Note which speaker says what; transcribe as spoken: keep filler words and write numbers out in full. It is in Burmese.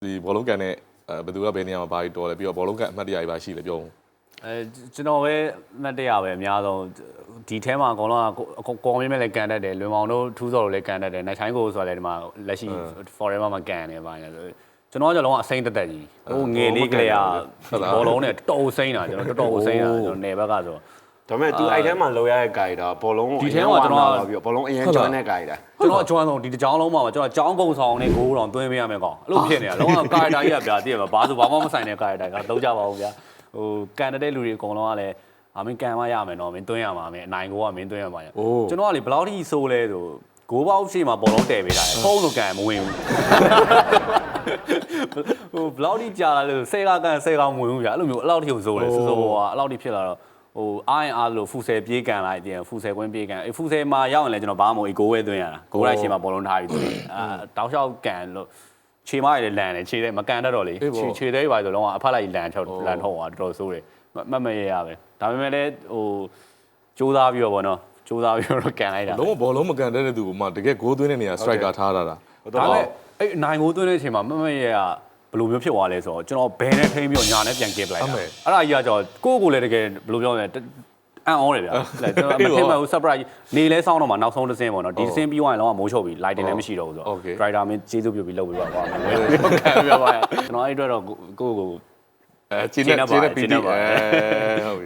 Speaker 1: ဒီဘောလုံးကန်တဲ့ဘယ်သူကဘယ်နေရာမှာဘာကြီးတော်လဲပြီးတော့ဘောလုံးကန်အမှတ်တရကြီးပါရှိလဲပြောဦး
Speaker 2: အဲကျွန်တော်ပဲအမှတ်တရပဲအများဆုံးဒီထဲမှာအကုန်လုံးကကောင်းမြင်မဲ့လည်းကန်တတ်တယ်လွင်မောင်တို့ထူးစော်တို့လည်းကန်တတ်တယ်နိုင်ချိုင်းကိုဆိုတာလည်းဒီမှာလက်ရှိ forever မှာကန်နေပါနေကျွန်တော်ကလုံးဝအစိမ့်တက်တက်ကြီးဟိုငယ်လေးကလေးကဘောလုံးနဲ့တော်တော်စိမ့်တာကျွန်တော်တော်တော်စိမ့်တာကျွန်တော်နယ်ဘက်ကဆို
Speaker 3: ဒါပေမဲ့ तू အဲ့ထဲမှာလောရရဲ့ guide တာဘောလုံး
Speaker 2: ဒီထဲမှာကျွန်တော်
Speaker 3: ပြီးတော့ဘောလုံးအရင်ကျွမ်းတဲ့ guide တာ
Speaker 2: ကျွန်တော်အကျွမ်းဆုံးဒီတစ်ကြောင်းလုံးမှာကျွန်တော်ကြောင်းကုံဆောင်နဲ့ဂိုးတောင်သွင်းပေးရမယ်ကောင်အဲ့လိုဖြစ်နေတာလုံးဝ guide တာကြီးကဗျာတည့်ရမှာဘာဆိုဘာမှမဆိုင်တဲ့ guide တာကတော့ကြပါဘူးဗျာဟိုကန်တဲ့လူတွေအကုန်လုံးကလည်းအမင်းကန်မရမယ်နော်မင်းသွင်းရမှာမင်းအနိုင်ကိုကမင်းသွင်းရမှာကျွန်တော်ကလေဘယ်လောက်ထိဆိုးလဲဆိုဂိုးပေါက်ရှိမှာဘောလုံးတည်ပေးတာဖုံးလို့ကန်မဝင်ဘူးဟိုဘလောက်ထိကြာလာလို့ဆယ်ကကန်ဆယ်ကောင်မဝင်ဘူးဗျာအဲ့လိုမျိုးအဲ့လောက်ထိကိုဆိုးတယ်ဆိုးဆိုးဟိုအဲ့လောက်ထိဖြစ်လာတော့ဟိုအားရင်အားလို့ဖူဆယ်ပြေးကန်လိုက်တယ်ဖူဆယ်ကွင်းပြေးကန်အေးဖူဆယ်မှာရောက်ရင်လည်းကျွန်တော်ဘာမှမဟုတ်ဂိုးဝဲသွင်းရတာဂိုးလိုက်ရှင်းမှာဘောလုံးထားပြီးသွင်းအာတောက်လျှောက်ကန်လို့ခြေမရည်လည်းလန်တယ်ခြေတဲ့မကန်တတ်တော့လေခြေခြေသေးပါဆိုတော့အဖက်လိုက်လန်ချောက်လန်ထုတ်သွားတော်တော်ဆိုးတယ်မမရရပဲဒါပေမဲ့လည်းဟိုကြိုးစားပြီးတော့ဗောနော်ကြိုးစားပြီးတော့ကန်လိုက်တာ
Speaker 1: လုံးဝဘောလုံးမကန်တဲ့သူကမှတကယ်ဂိုးသွင်းတဲ့နေရာ striker ထားတာဒါ
Speaker 2: ပေမဲ့အဲ့နိုင်ဂိုးသွင်းတဲ့အချိန်မှာမမရရဘယ်လိုမျိုးဖြစ်သွားလဲဆိုတော့ကျွန်တော်ဘယ်နဲ့ထိန်းပြီးတော့ညာနဲ့ပြန်ကစ်ပလိုက်တာအဲ့ဒါကြီးကကျွန်တော်ကိုယ့်ကိုယ်လည်းတကယ်ဘယ်လိုပြောလဲအန်အောတယ်ဗျာကျွန်တော်မထင်မှဘူး surprise နေလဲစောင်းတော့မှနောက်ဆုံးတစ်စင်းပေါ့နော်ဒီတစ်စင်းပြီးသွားရင်တော့မိုးချုပ်ပြီး lighting လည်းမရှိတော့ဘူးဆိုတော့ driver မင်းကျေးဇူးပြုပြီးလုပ်ပြီးတော့ပါမယ်ဟုတ်ကဲ့ပြပါရကျွန်တော်အဲ့အတွက်တော့ကိုယ့်ကို
Speaker 1: အဲကျင်းနေကျင်းနေပြီးအဲဟုတ်ပြီ